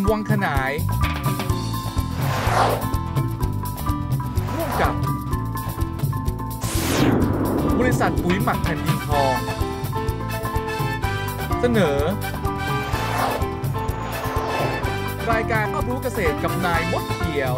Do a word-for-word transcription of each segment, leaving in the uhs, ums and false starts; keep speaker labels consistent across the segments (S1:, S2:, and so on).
S1: วังขนายร่วมกับบริษัทปุ๋ยหมักแผ่นดินทองเสนอรายการรับรู้เกษตรกับนายมดเขียว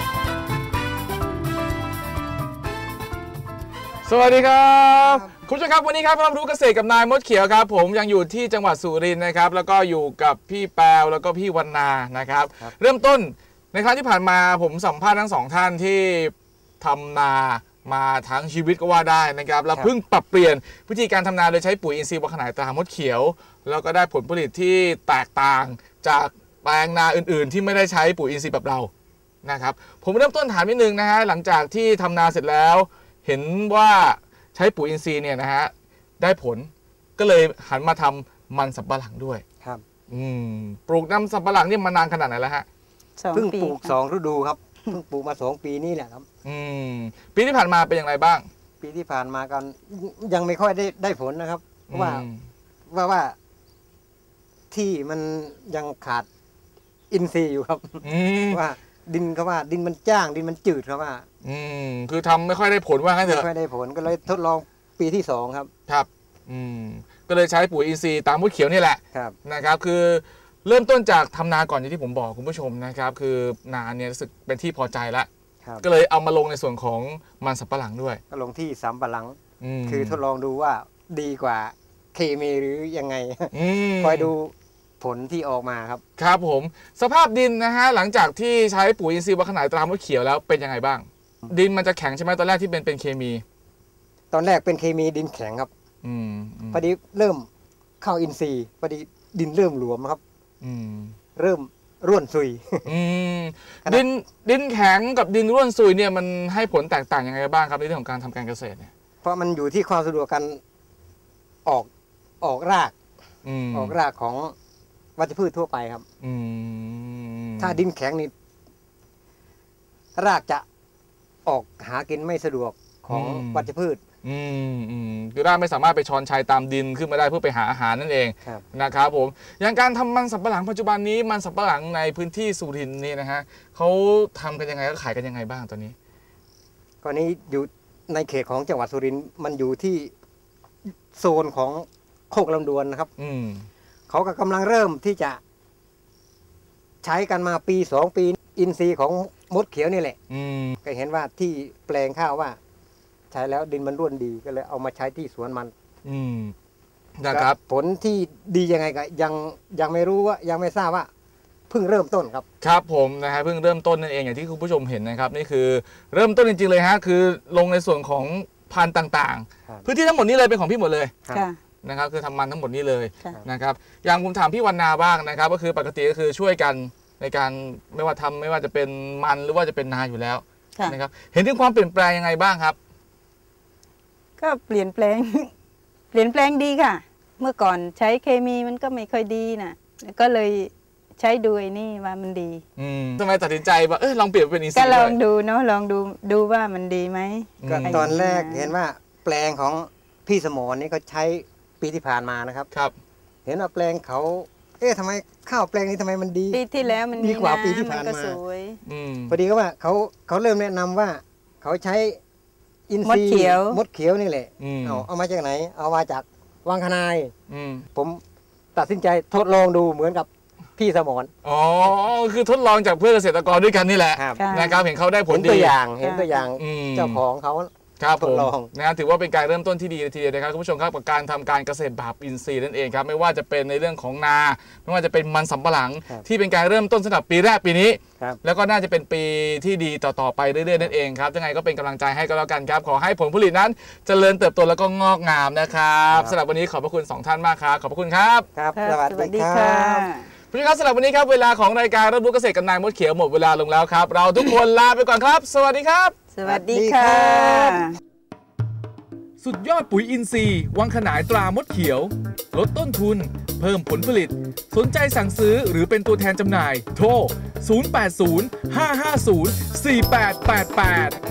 S1: สวัสดีครับคุณผู้ชมครับวันนี้ครับรับรู้เกษตรกับนายมดเขียวครับผมยังอยู่ที่จังหวัดสุรินทร์นะครับแล้วก็อยู่กับพี่แปวแล้วก็พี่วรรณานะครับเริ่มต้นในครั้งที่ผ่านมาผมสัมภาษณ์ทั้งสองท่านที่ทำนามาทั้งชีวิตก็ว่าได้นะครับแล้วเพิ่งปรับเปลี่ยนวิธีการทำนาโดยใช้ปุ๋ยอินทรีย์วังขนายตรามดเขียวแล้วก็ได้ผลผลิตที่แตกต่างจากแปลงนาอื่นๆที่ไม่ได้ใช้ปุ๋ยอินทรีย์แบบเรานะครับผมเริ่มต้นถามนิดนึงนะฮะหลังจากที่ทำนาเสร็จแล้วเห็นว่าใช้ปุ๋ยอินทรีย์เนี่ยนะฮะได้ผลก็เลยหันมาทำมันสำปะหลังด้วย
S2: ครับ
S1: อืมปลูกน้ำสำปะหลังนี่มานานขนาดไหนแล้วฮะ
S2: เพิ่งปลูกสองฤดูครับเพิ่งปลูกมาสองปีนี่แหละครับ
S1: อืมปีที่ผ่านมาเป็นอย่างไรบ้าง
S2: ปีที่ผ่านมากันยังไม่ค่อยได้ได้ผลนะครับเพราะว่าว่าว่าที่มันยังขาดอินทรีย์อยู่ครับว่าดินเขาว่าดินมันจ้างดินมันจืดครับว่า
S1: อืมคือทำไม่ค่อยได้ผลว่างั้นเถอะ
S2: ไม่ค่อยได้ผลก็เลยทดลองปีที่สองครับ
S1: ครับอืมก็เลยใช้ปุ๋ยอินทรีย์ตามมดเขียวนี่แหละ
S2: ครับ
S1: นะครับคือเริ่มต้นจากทำนาก่อนอย่างที่ผมบอกคุณผู้ชมนะครับคือนาเนี่ยรู้สึกเป็นที่พอใจแล้วก็เลยเอามาลงในส่วนของมันสำปะหลังด้วย
S2: ก็ลงที่สำปะหลังคือทดลองดูว่าดีกว่าเคมีหรือยังไงคอยดูผลที่ออกมาครับ
S1: ครับผมสภาพดินนะฮะหลังจากที่ใช้ปุ๋ยอินทรีย์วังขนายตรามดเขียวแล้วเป็นยังไงบ้างดินมันจะแข็งใช่ไหมตอนแรกที่เป็นเป็นเคมี
S2: ตอนแรกเป็นเคมีดินแข็งครับ
S1: อืม
S2: พอดีเริ่มเข้าอินทรีย์พอดีดินเริ่มหลวมครับ
S1: อืม
S2: เริ่มร่วนซุย
S1: อืมดินดินแข็งกับดินร่วนซุยเนี่ยมันให้ผลแตกต่างยังไงบ้างครับในเรื่องของการทำการเกษตรเนี่ย
S2: เพราะมันอยู่ที่ความสะดวกการออกออกรากออกรากของวัชพืชทั่วไปครับถ้าดินแข็งนี่รากจะออกหากินไม่สะดวกของวัชพืช
S1: อืมอืมคือรากไม่สามารถไปช้อนชัยตามดินขึ้นมาได้เพื่อไปหาอาหารนั่นเองนะครับผมอย่างการทำมันสำปะหลังปัจจุบันนี้มันสำปะหลังในพื้นที่สุรินทร์นี่นะฮะเขาทำกันยังไงก็ขายกันยังไงบ้างตอนนี้
S2: ตอนนี้อยู่ในเขตของจังหวัดสุรินทร์มันอยู่ที่โซนของโคกลำดวนนะครับ
S1: อืม
S2: เขาก็กำลังเริ่มที่จะใช้กันมาปีสองปีอินทรีย์ของมดเขียวนี่แหละก็เห็นว่าที่แปลงข้าวว่าใช้แล้วดินมันร่วนดีก็เลยเอามาใช้ที่สวนมัน
S1: อืมนะครับ
S2: ผลที่ดียังไงก็ยังยังไม่รู้ว่ายังไม่ทราบว่าเพิ่งเริ่มต้นครับ
S1: ครับผมนะฮะเพิ่งเริ่มต้นนั่นเองอย่างที่คุณผู้ชมเห็นนะครับนี่คือเริ่มต้นจริงๆเลยฮะคือลงในส่วนของพันธุ์ต่างๆพื้นที่ทั้งหมดนี้เลยเป็นของพี่หมดเลยนะครับคือทำมันทั้งหมดนี้เลยนะครับอย่างผมถามพี่วรรณาบ้างนะครับก็คือปกติก็คือช่วยกันในการไม่ว่าทำไม่ว่าจะเป็นมันหรือว่าจะเป็นนาอยู่แล้วนะครับเห็นถึงความเปลี่ยนแปลงยังไงบ้างครับ
S3: ก็เปลี่ยนแปลงเปลี่ยนแปลงดีค่ะเมื่อก่อนใช้เคมีมันก็ไม่ค่อยดีนะก็เลยใช้ดูไอ้นี่ว่ามันดี
S1: อืมทำไมตัดสินใจว่าเออลองเปลี่ยนเป็นอินทรีย์
S3: ก็ลองดูเนาะลองดูดูว่ามันดีไหม
S2: ก็ตอนแรกเห็นว่าแปลงของพี่สมรนี่เขาใช้ปีที่ผ่านมานะครับ
S1: ครับ
S2: เห็นว่าแปลงเขาเอ๊ะทำไมข้าวแปลงนี้ทำไมมันดี
S3: ปีที่แล้วมัน
S2: ดีกว่าปีที่ผ่านมาพอดีก็ว่าเขาเขาเริ่มแนะนำว่าเขาใช้อินทรีย์มดเขียวมดเขียวนี่แหละเอาเอามาจากไหนเอามาจากวังขนายผมตัดสินใจทดลองดูเหมือนกับพี่สมร
S1: อ๋อคือทดลองจากเพื่อนเกษตรกรด้วยกันนี่แหละนะครับเห็นเขาได้ผลดี
S2: ตัวอย่างเห็นตัวอย่างเจ้าของเขา
S1: ครับผมนะถือว่าเป็นการเริ่มต้นที่ดีทีเดียวนะครับคุณผู้ชมครับกับการทำการเกษตรแบบอินทรีย์นั่นเองครับไม่ว่าจะเป็นในเรื่องของนาไม่ว่าจะเป็นมันสำปะหลังที่เป็นการเริ่มต้นสำหรับปีแรกปีนี้แล้วก็น่าจะเป็นปีที่ดีต่อๆไปเรื่อยๆนั่นเองครับยังไงก็เป็นกำลังใจให้ก็แล้วกันครับขอให้ผลผลิตนั้นเจริญเติบโตแล้วก็งอกงามนะครับสำหรับวันนี้ขอบพระคุณสองท่านมากครับขอบพระคุณครับ
S2: ครับสวัสดีครับ
S1: ผู้ชมครับสำหรับวันนี้ครับเวลาของรายการรับรู้เกษตรกับนายมดเขียวหมดเวลาลงแล้วครับเราทุกคนลาไปก่อนครับสวัสดีครับ
S3: สวัสดีครับ
S1: สุดยอดปุ๋ยอินทรีย์วังขนายตรามดเขียวลดต้นทุนเพิ่มผลผลิตสนใจสั่งซื้อหรือเป็นตัวแทนจำหน่ายโทรศูนย์ แปด ศูนย์ ห้า ห้า ศูนย์ สี่ แปด แปด แปด